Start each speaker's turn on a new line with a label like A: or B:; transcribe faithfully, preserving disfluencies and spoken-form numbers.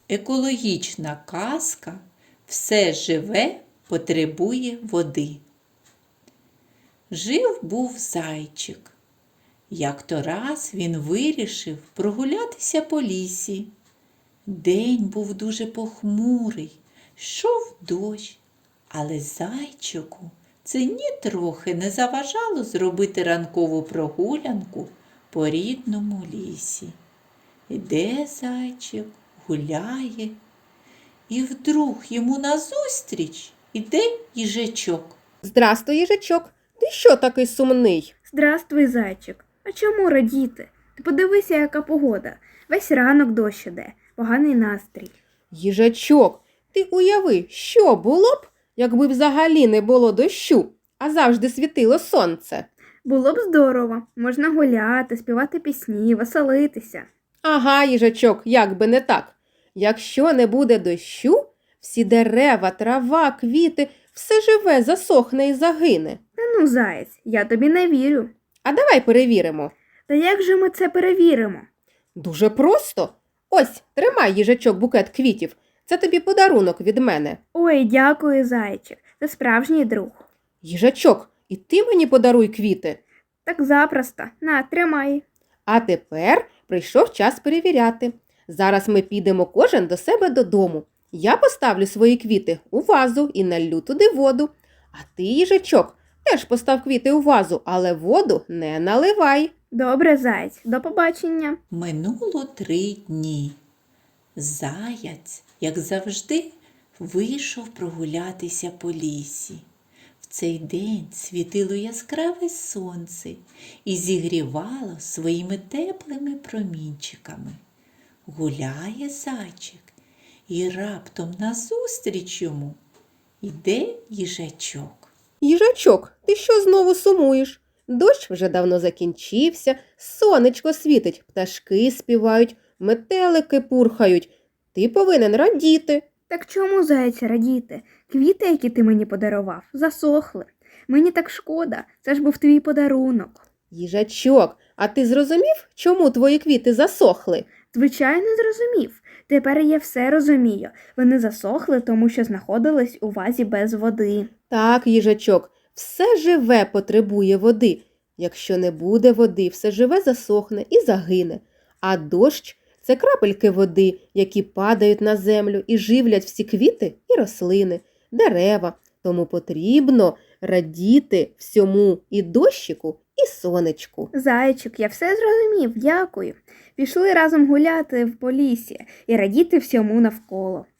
A: Екологічна казка «Все живе потребує води». Жив був зайчик. Як-то раз він вирішив прогулятися по лісі. День був дуже похмурий, йшов дощ, але зайчику це нітрохи не заважало зробити ранкову прогулянку по рідному лісі. Іде зайчик, гуляє, і вдруг йому назустріч іде їжачок.
B: Здрастуй, їжачок. Ти що такий сумний?
C: Здравствуй, зайчик. А чому радіти? Ти подивися, яка погода. Весь ранок дощ іде, поганий настрій.
B: Їжачок, ти уяви, що було б, якби взагалі не було дощу, а завжди світило сонце?
C: Було б здорово. Можна гуляти, співати пісні, веселитися.
B: Ага, їжачок, як би не так. Якщо не буде дощу, всі дерева, трава, квіти, все живе засохне і загине.
C: Та ну, заєць, я тобі не вірю.
B: А давай перевіримо.
C: Та як же ми це перевіримо?
B: Дуже просто. Ось, тримай, їжачок, букет квітів. Це тобі подарунок від мене.
C: Ой, дякую, зайчик. Ти справжній друг.
B: Їжачок, і ти мені подаруй квіти.
C: Так запросто. На, тримай.
B: А тепер прийшов час перевіряти. Зараз ми підемо кожен до себе додому. Я поставлю свої квіти у вазу і налью туди воду. А ти, їжачок, теж постав квіти у вазу, але воду не наливай.
C: Добре, заєць. До побачення.
A: Минуло три дні. Заяць, як завжди, вийшов прогулятися по лісі. В цей день світило яскраве сонце і зігрівало своїми теплими промінчиками. Гуляє зайчик, і раптом назустріч йому іде їжачок.
B: Їжачок, ти що знову сумуєш? Дощ вже давно закінчився, сонечко світить, пташки співають, метелики пурхають. Ти повинен радіти.
C: Так чому, заєць, радіти? Квіти, які ти мені подарував, засохли. Мені так шкода, це ж був твій подарунок.
B: Їжачок, а ти зрозумів, чому твої квіти засохли?
C: Звичайно, зрозумів. Тепер я все розумію. Вони засохли, тому що знаходились у вазі без води.
B: Так, їжачок, все живе потребує води. Якщо не буде води, все живе засохне і загине. А дощ – це крапельки води, які падають на землю і живлять всі квіти і рослини, дерева. Тому потрібно радіти всьому і дощику, і сонечку.
C: Зайчик, я все зрозумів, дякую. Пішли разом гуляти в полісі і радіти всьому навколо.